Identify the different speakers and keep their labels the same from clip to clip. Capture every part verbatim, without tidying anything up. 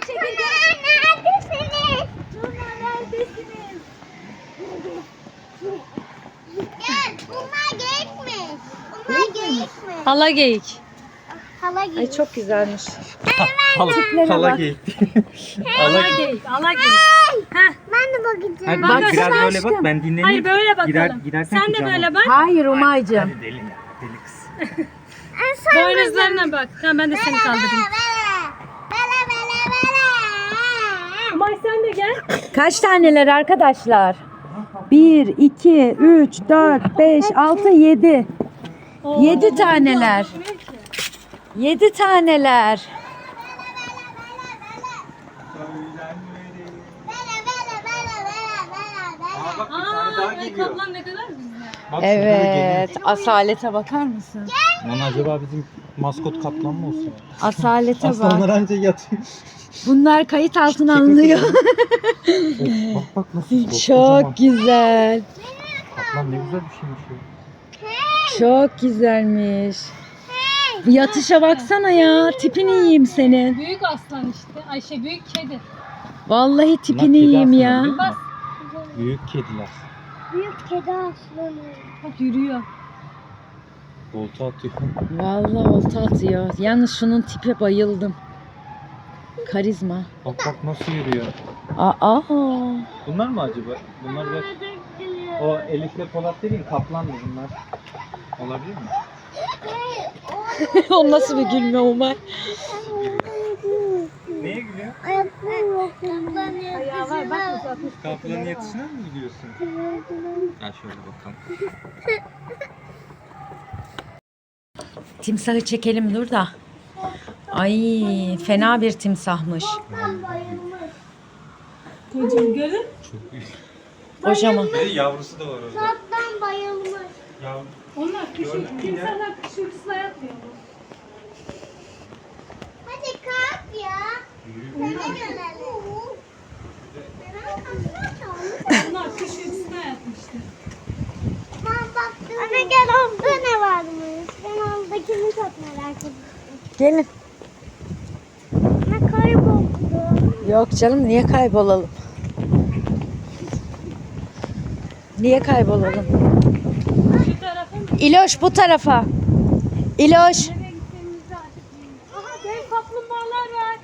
Speaker 1: çekeceğiz. Neredesiniz? Tuna neredesiniz? Gel. Bunlar geyikmiş. Bunlar geyikmiş.
Speaker 2: Hala geyik.
Speaker 1: Hala geyik.
Speaker 2: Ay çok güzelmiş.
Speaker 3: Hala,
Speaker 2: Tiplere
Speaker 3: hala
Speaker 2: bak.
Speaker 3: geyik.
Speaker 2: Hala geyik. Hala geyik. Heh.
Speaker 1: Ben de bakacağım.
Speaker 3: Hadi
Speaker 2: Bak
Speaker 3: bak, biraz
Speaker 2: aşkım.
Speaker 3: böyle bak, ben dinleneyim.
Speaker 2: Hayır böyle bakalım.
Speaker 3: Girer, girersen
Speaker 2: Sen de
Speaker 3: kucağıma.
Speaker 2: böyle bak.
Speaker 4: Hayır Umay'cığım.
Speaker 3: Hadi deli ya, deli kız.
Speaker 2: Boynuzlarına bak. Tamam ben de seni kaldırayım.
Speaker 1: Bele bele bele.
Speaker 2: Umay sen de gel.
Speaker 4: Kaç taneler arkadaşlar? bir, iki, üç, dört, beş, altı, yedi. Yedi taneler. Yedi taneler.
Speaker 1: Bele bele bele bele bele bele.
Speaker 3: Aa bak, bir
Speaker 2: Aa,
Speaker 3: tane daha
Speaker 2: ay
Speaker 3: geliyor.
Speaker 2: kaplan ne kadar güzel.
Speaker 3: Bak, şurada da
Speaker 4: Evet.
Speaker 3: geliyor.
Speaker 4: Asalete bakar mısın?
Speaker 3: Lan acaba bizim maskot kaplan mı olsun?
Speaker 4: Asalete
Speaker 3: Aslanlar
Speaker 4: bak.
Speaker 3: anca yatıyor.
Speaker 4: Bunlar kayıt altına alınıyor.
Speaker 3: Of, bak bak nasıl kocaman.
Speaker 4: Çok güzel.
Speaker 3: Kaplan ne güzel bir şeymiş ya.
Speaker 4: Çok güzelmiş. Bu yatışa baksana ya. Tipini yiyeyim senin.
Speaker 2: Büyük aslan işte. Ayşe büyük kedi.
Speaker 4: Vallahi
Speaker 3: Bunlar
Speaker 4: tipini
Speaker 3: kedi
Speaker 4: yiyeyim
Speaker 3: aslında,
Speaker 4: ya.
Speaker 3: biliyor musun?
Speaker 2: Bas.
Speaker 3: Büyük kediler.
Speaker 1: Büyük kedi aslanı.
Speaker 2: Bak yürüyor.
Speaker 3: Volta atıyor.
Speaker 4: Vallahi olta atıyor. Yalnız şunun tipe bayıldım. Karizma.
Speaker 3: Bak bak nasıl yürüyor.
Speaker 4: Aa.
Speaker 3: Bunlar mı acaba? Bunlar da o Elif'le Polat dediğin kaplan mı bunlar? Olabilir mi?
Speaker 4: O nasıl bir gülme Umay?
Speaker 3: Neye gülüyor?
Speaker 2: Ayağı var bak uzatmış.
Speaker 3: Kaplanın yatışına mı gülüyorsun? Gel şöyle bakalım.
Speaker 4: Timsahı çekelim dur da. Ay fena bir timsahmış.
Speaker 2: Kocam görün.
Speaker 3: Çok büyük.
Speaker 4: Kocaman.
Speaker 3: Bir de yavrusu da var orada.
Speaker 1: Kaptan bayılmış.
Speaker 3: Yavru.
Speaker 2: Onlar kış
Speaker 3: Gördün mü ya?
Speaker 2: insanlar kış uykusuna yatmıyor.
Speaker 1: Hadi kalk ya. Sana gelelim.
Speaker 2: Onlar kış uykusuna yatmıştı.
Speaker 1: Ben baktım. Anne gel orada ne varmış? Ben oradakini çok merak ettim.
Speaker 4: Gelin.
Speaker 1: Ne kayboldu.
Speaker 4: Yok canım niye kaybolalım? Niye kaybolalım?
Speaker 2: Şu tarafa mı?
Speaker 4: İloş bu tarafa. İloş.
Speaker 2: Nereye gittiğimizi artık bilmiyorum. Aha dev kaplumbağalar var.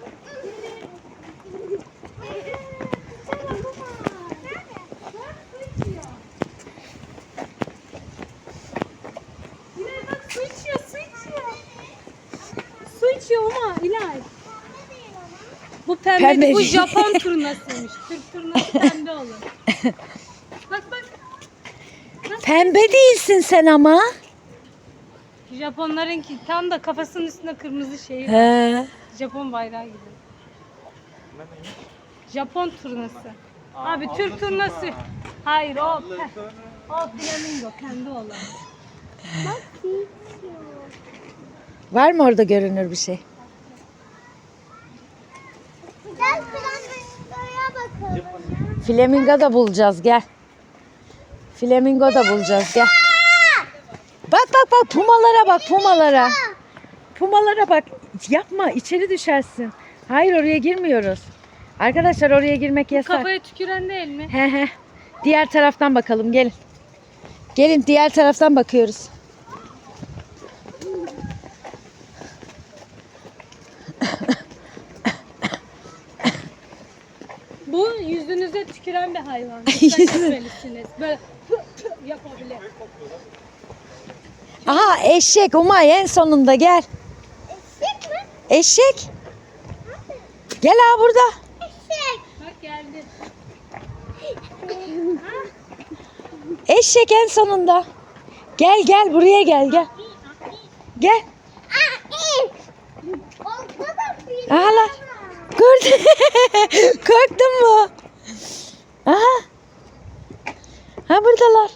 Speaker 2: İlay bak su içiyor, su içiyor. Su içiyor ama İlay. Bu pembe,
Speaker 4: Pembe
Speaker 2: bu
Speaker 4: değil.
Speaker 2: Japon turnasıymış. Türk turnası pembe olur. Bak bak.
Speaker 4: Pembe değilsin sen ama.
Speaker 2: Japonlarınki tam da kafasının üstünde kırmızı şey var.
Speaker 4: He.
Speaker 2: Japon bayrağı gibi. Japon turnası. Abi Türk turnası. Hayır o pe- o flamingo kendi olan.
Speaker 1: Bak içiyor.
Speaker 4: Var mı orada görünür bir şey?
Speaker 1: Gel flamingoya bakalım.
Speaker 4: Flamingo da bulacağız gel. Flamingo da bulacağız gel. Bak bak bak pumalara bak pumalara. Pumalara bak. Yapma içeri düşersin. Hayır oraya girmiyoruz. Arkadaşlar oraya girmek yasak.
Speaker 2: Kafaya tüküren değil mi?
Speaker 4: He he. Diğer taraftan bakalım gelin. Gelin diğer taraftan bakıyoruz.
Speaker 2: Bu yüzünüze tüküren bir hayvan. Dikkat etmelisiniz. Böyle pı pı yapabilir.
Speaker 4: Aha eşek Umay en sonunda gel.
Speaker 1: Eşek mi?
Speaker 4: Eşek. Gel ha burada.
Speaker 1: Eşek.
Speaker 2: Bak geldi.
Speaker 4: Eşek en sonunda. Gel gel buraya gel gel. Gel.
Speaker 1: Orada da bir
Speaker 4: Aha lan. Gördün. Korktun mu? Aha. Ha buradalar.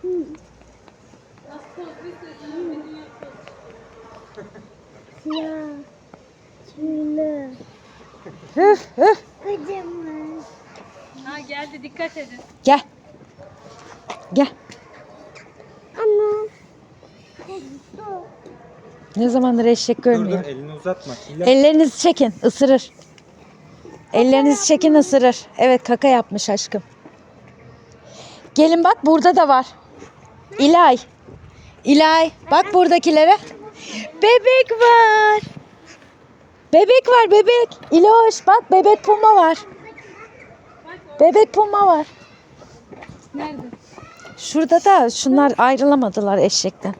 Speaker 1: siyah. Tüylü.
Speaker 4: Hüf hüf.
Speaker 1: Kocaman.
Speaker 2: Ha geldi dikkat edin.
Speaker 4: Gel. Gel.
Speaker 1: Ama.
Speaker 4: Ne zamandır eşek
Speaker 3: Dur dur,
Speaker 4: görmüyor.
Speaker 3: elini uzatma. İlla-
Speaker 4: Ellerinizi çekin ısırır. Ellerinizi çekin ısırır. Evet kaka yapmış aşkım. Gelin bak burada da var. İlay. İlay bak buradakilere. Bebek var. Bebek var bebek. İloş bak bebek puma var. Bebek puma var.
Speaker 2: Nerede?
Speaker 4: Şurada da şunlar ayrılamadılar eşekten.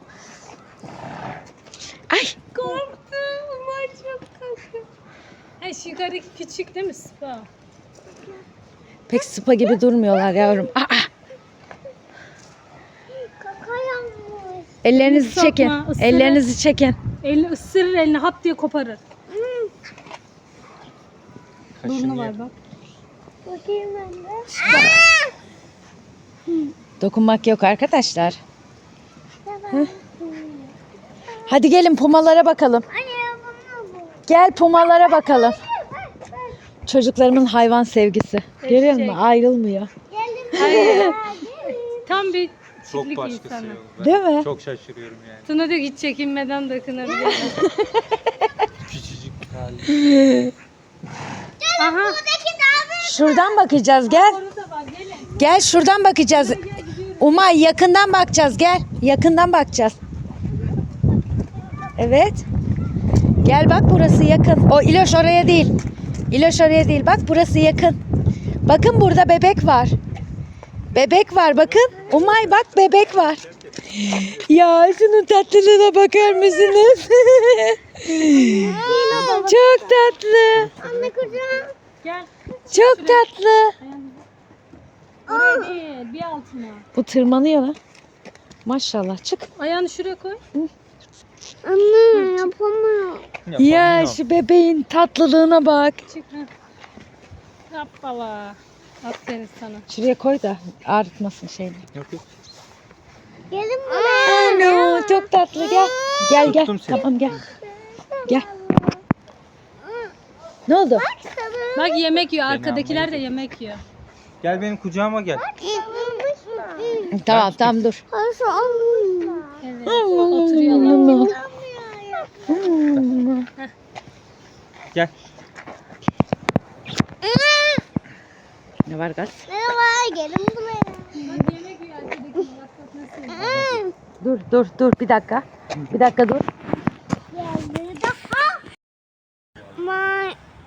Speaker 4: Ay
Speaker 2: Korktum. Umay çok korktum. Ay şu yukarıdaki küçük değil mi Spa?
Speaker 4: pek sıpa gibi durmuyorlar yavrum. Aa,
Speaker 1: Kaka yapmış.
Speaker 4: ellerinizi
Speaker 2: Sokma,
Speaker 4: çekin.
Speaker 2: ısırır.
Speaker 4: Ellerinizi çekin.
Speaker 2: Elini ısırır elini hap diye koparır.
Speaker 3: Kaşını
Speaker 2: Burnu
Speaker 3: ye.
Speaker 2: var bak.
Speaker 1: Bakayım ben de.
Speaker 4: Dokunmak yok arkadaşlar. Hadi gelin pumalara bakalım.
Speaker 1: Anne bana bu.
Speaker 4: Gel pumalara bakalım. Çocuklarımın hayvan sevgisi. Görüyor musun?
Speaker 2: Eşek.
Speaker 4: Ayrılmıyor.
Speaker 1: Gelin.
Speaker 2: Hayır. Tam bir
Speaker 3: Çok
Speaker 2: çiftlik
Speaker 3: başkası
Speaker 2: insanı.
Speaker 3: yok. Ben
Speaker 4: Değil mi?
Speaker 3: Çok şaşırıyorum yani.
Speaker 2: Tuna diyor ki hiç çekinmeden dokunabilir.
Speaker 3: Küçücük bir hali.
Speaker 2: Aha.
Speaker 1: Buradaki daha
Speaker 4: Şuradan bakacağız gel.
Speaker 2: Orada var gelin.
Speaker 4: Gel şuradan bakacağız. Umay yakından bakacağız gel. Yakından bakacağız. Evet. Gel bak burası yakın. O İloş oraya değil. İloş oraya değil. Bak burası yakın. Bakın burada bebek var. Bebek var bakın. Umay bak bebek var. Ya şunun tatlılığına bakar mısınız? Çok tatlı.
Speaker 1: Anne kucağım.
Speaker 2: Gel.
Speaker 4: Çok tatlı.
Speaker 2: Oraya değil bir altına.
Speaker 4: Bu tırmanıyor lan. Maşallah çık.
Speaker 2: Ayağını şuraya koy.
Speaker 1: Anne yapamıyorum.
Speaker 4: Ya
Speaker 3: Yapamıyorum.
Speaker 4: şu bebeğin tatlılığına bak.
Speaker 2: Çık. Ha. Hoppala. Aferin sana.
Speaker 4: Şuraya koy da ağrıtmasın şeyini.
Speaker 3: Yok yok.
Speaker 1: Gelin buraya.
Speaker 4: Ano çok tatlı gel. Gel gel.
Speaker 3: Tuttum seni.
Speaker 4: Tamam gel. Gel. Ne oldu?
Speaker 2: Bak yemek yiyor.
Speaker 3: Beni
Speaker 2: Arkadakiler de
Speaker 3: almaya
Speaker 2: yemek yiyor.
Speaker 3: Gel benim kucağıma gel.
Speaker 4: Tamam tamam dur.
Speaker 1: Nasıl olmuş?
Speaker 2: Evet. Oturuyorlar.
Speaker 3: Gel.
Speaker 4: Ne var gaz?
Speaker 1: Merhaba gelin buraya.
Speaker 2: Bak yemek yiyor arkadakiler. Bak bak nasıl yiyor.
Speaker 4: Dur dur dur bir dakika. Bir dakika dur.
Speaker 1: Geldi daha. May.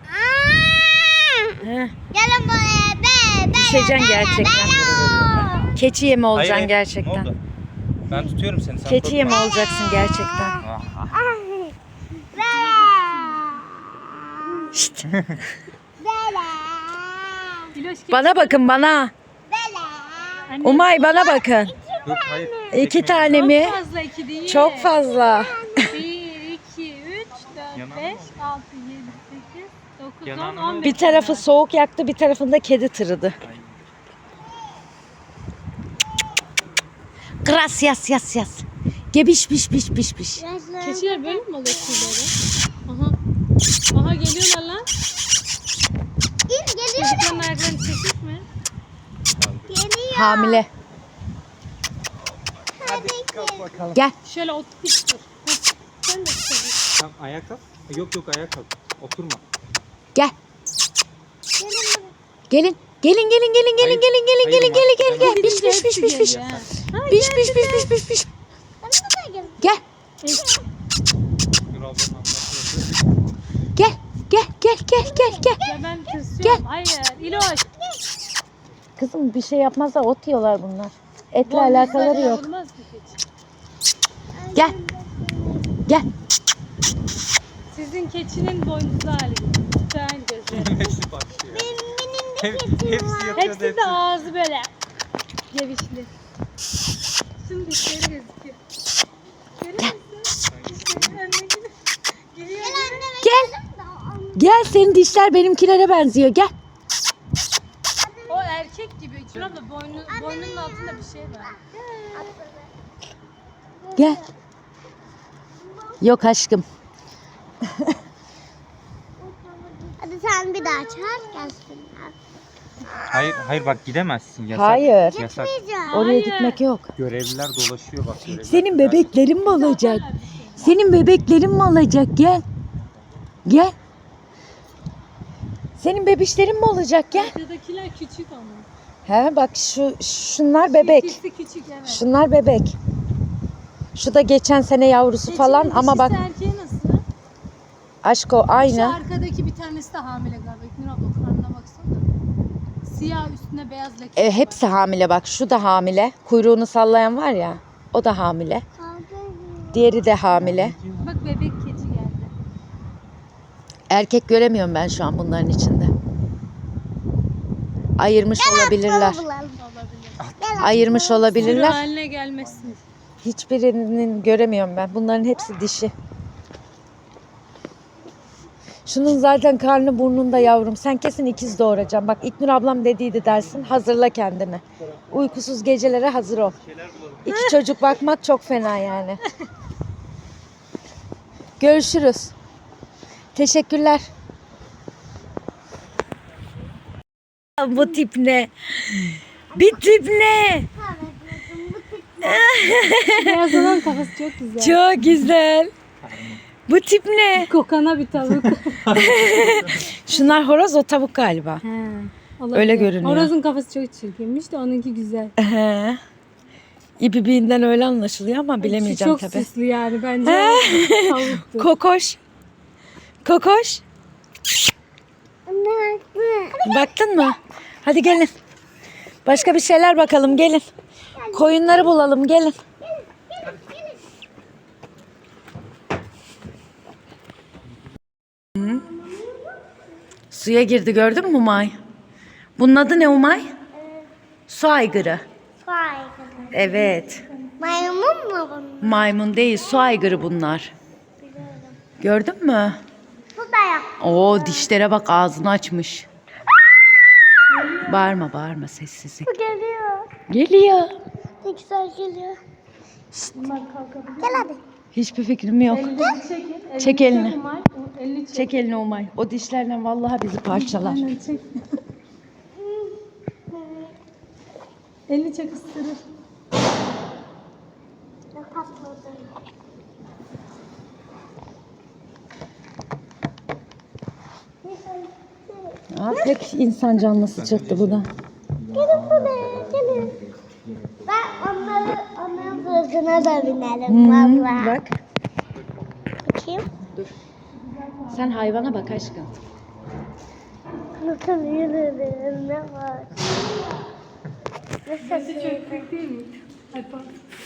Speaker 4: Heh,
Speaker 1: Gelin buraya be be.
Speaker 4: düşeceksin gerçekten. Keçi yemi olacaksın
Speaker 3: Hayır,
Speaker 4: gerçekten.
Speaker 3: Ne oldu? Ben tutuyorum seni. Sen
Speaker 4: Keçi
Speaker 3: korkma.
Speaker 4: yemi olacaksın gerçekten.
Speaker 3: Ah, ah.
Speaker 4: Şşt.
Speaker 2: İloş gel.
Speaker 4: Bana bakın bana.
Speaker 2: Anne,
Speaker 4: Umay bana bakın.
Speaker 3: Dur hayır.
Speaker 4: İki
Speaker 3: çekmeyin.
Speaker 4: tane mi?
Speaker 2: Çok fazla iki değil.
Speaker 4: Çok fazla.
Speaker 2: Bir, iki, üç, dört,
Speaker 3: Yanağına
Speaker 2: beş,
Speaker 3: bak.
Speaker 2: altı, yedi, sekiz, dokuz, on,
Speaker 3: Yanağına
Speaker 2: on
Speaker 3: bak.
Speaker 2: beş.
Speaker 4: Bir tarafı soğuk yaktı, bir tarafında kedi tırıdı. Gracias, yas yas. Gebiş biş biş biş biş.
Speaker 2: Keçiler böyle mi oluyor tüyleri? Aha. Aha geliyorlar lan.
Speaker 1: Geliyor.
Speaker 2: Çocukların ayaklarını çekik mi?
Speaker 1: Geliyor.
Speaker 4: Hamile.
Speaker 3: Hadi kalk bakalım.
Speaker 4: Gel.
Speaker 2: Şöyle otur dur. Heh, sen de çevir.
Speaker 3: Tamam ayağa kalk. Yok yok ayağa kalk. Oturma.
Speaker 4: Gel. Gelin. Gelin gelin gelin gelin
Speaker 3: Hayır,
Speaker 4: gelin gelin
Speaker 3: hayır,
Speaker 4: gelin gelin gel
Speaker 3: Mahmut,
Speaker 4: gel. Biş biş biş biş biş.
Speaker 2: Ha.
Speaker 4: Biş biş biş biş biş biş. Gel.
Speaker 3: Dur ablanın ablasını.
Speaker 4: Gel. Gel gel gel gel gel.
Speaker 2: Ya ben tırsıyorum. Hayır. İloş.
Speaker 4: Kızım bir şey yapmazlar, ot yiyorlar bunlar. Etle
Speaker 2: Boynuzlarına
Speaker 4: alakaları yok.
Speaker 2: vurmaz ki keçi.
Speaker 4: Gel. Gel.
Speaker 2: Sizin keçinin boynuzlu hali. Güzel gözleri.
Speaker 3: Hepsi başlıyor. Hep, hepsi yapıyor.
Speaker 2: Hepsi de ağzı böyle. Gevişli. Şimdi dişleri gözüküyor. Görüyor musun? Dişleri önüne giriyor. Giriyor.
Speaker 4: Gel. Gel senin dişler benimkilere benziyor. Gel.
Speaker 2: O erkek gibi. Şurada boynu, boynunun altında bir şey var.
Speaker 4: Gel. Yok aşkım.
Speaker 1: Hadi sen bir daha çağır gelsinler.
Speaker 3: Hayır hayır bak gidemezsin. Yasak.
Speaker 4: Hayır.
Speaker 3: Yasak.
Speaker 4: Oraya
Speaker 2: Hayır.
Speaker 4: gitmek yok.
Speaker 3: Görevliler dolaşıyor bak. Görevliler.
Speaker 4: Senin bebeklerin mi olacak? Senin bebeklerin mi olacak? Gel. Gel. Senin bebişlerin mi olacak gel?
Speaker 2: Arkadakiler küçük ama.
Speaker 4: He bak şu şunlar bebek.
Speaker 2: İkisi küçük evet.
Speaker 4: Şunlar bebek. Şu da geçen sene yavrusu
Speaker 2: Keçinin
Speaker 4: falan ama bak
Speaker 2: dişisi erkeği nasıl?
Speaker 4: aşk o
Speaker 2: Şu
Speaker 4: aynı.
Speaker 2: arkadaki bir tanesi de hamile galiba. İknur abla karnına baksana. Siyah üstüne beyaz leke.
Speaker 4: E, hepsi hamile bak. Şu da hamile. Kuyruğunu sallayan var ya. O da hamile. Diğeri de hamile.
Speaker 2: Bak bebek keçi geldi.
Speaker 4: Erkek göremiyorum ben şu an bunların içinde. Ayırmış olabilirler.
Speaker 2: Olabilir.
Speaker 4: Ayırmış
Speaker 2: Sürü
Speaker 4: olabilirler.
Speaker 2: haline gelmesin.
Speaker 4: Hiçbirinin göremiyorum ben. Bunların hepsi dişi. Şunun zaten karnı burnunda yavrum. Sen kesin ikiz doğuracaksın. Bak İknur ablam dediydi dersin. Hazırla kendini. Uykusuz gecelere hazır ol. İki çocuk bakmak çok fena yani. Görüşürüz. Teşekkürler. Bu tip ne? Bir tip ne?
Speaker 2: Beyaz olan kafası çok güzel.
Speaker 4: Çok güzel. Bu tip ne?
Speaker 2: Kokana bir tavuk.
Speaker 4: Şunlar horoz, o tavuk galiba.
Speaker 2: He, olabilir.
Speaker 4: Öyle görünüyor.
Speaker 2: Horozun kafası çok çirkinmiş de onunki güzel.
Speaker 4: He. İbibiğinden öyle anlaşılıyor ama bilemeyeceğim
Speaker 2: çok
Speaker 4: tabii.
Speaker 2: Çok süslü yani bence o tavuktu.
Speaker 4: Kokoş. Kokoş. Baktın mı? Hadi gelin. Başka bir şeyler bakalım gelin. Koyunları bulalım gelin. Hı. Suya girdi gördün mü Umay? Bunun adı ne Umay? Su aygırı. Evet.
Speaker 1: Maymun mu bunun?
Speaker 4: Maymun değil, su aygırı bunlar. Gördün mü?
Speaker 1: Bu da yap.
Speaker 4: Oo dişlere bak, ağzını açmış. Bağırma bağırma, sessizlik.
Speaker 1: Bu geliyor.
Speaker 4: Geliyor.
Speaker 1: Ne güzel geliyor. Gel hadi.
Speaker 4: Hiçbir fikrim yok.
Speaker 2: Çekin.
Speaker 4: Çek elini.
Speaker 2: Umay, o elini çek.
Speaker 4: Çek elini Umay. O dişlerle vallahi bizi parçalar.
Speaker 2: Aynen çek. elini çek ısırır.
Speaker 1: Ne patladı.
Speaker 4: Aa, pek insan canlısı çıktı bu da.
Speaker 1: Gelin buraya gelin. Ben onları, onların sırtına da binerim
Speaker 4: Hmm,
Speaker 1: valla.
Speaker 4: bak.
Speaker 1: Bakayım.
Speaker 4: Sen hayvana bak aşkım.
Speaker 1: Nasıl yürürüm ne var? Nasıl yürürüm?
Speaker 2: Çok büyük değil mi? Ay pardon.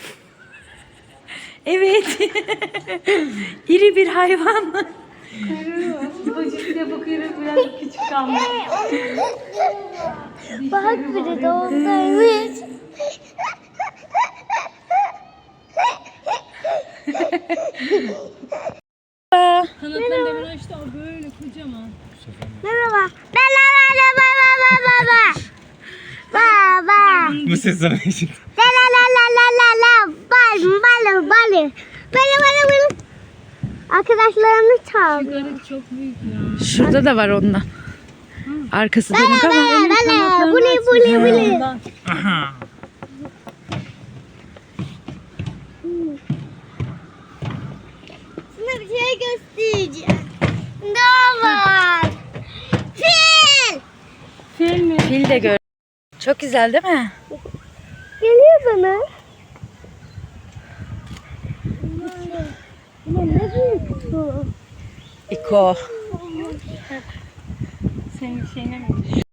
Speaker 4: Evet. İri bir hayvan.
Speaker 2: Bacık diye bakıyorum biraz küçük kalmış.
Speaker 1: Bak biri de oradaymış.
Speaker 2: Kanatlarını demin açtı o böyle kocaman.
Speaker 1: Merhaba. La la la la la la la la la. Baba.
Speaker 3: Bu ses sana için.
Speaker 1: La la la la la la la. Bal bal bal. Böyle böyle böyle. Arkadaşlarını çağırdı.
Speaker 2: Garip çok büyük ya.
Speaker 4: Şurada da var ondan. Arkası dönük ama.
Speaker 1: La la. Buli buli buli.
Speaker 2: Ondan.
Speaker 1: Sana bir şey göstereceğim. Ne var? Fil.
Speaker 2: Fil mi?
Speaker 4: Fil de gör. Çok güzel değil mi?
Speaker 1: Geliyor bana. Ama ne büyük bu.
Speaker 4: İko.
Speaker 2: Senin şeyine mi?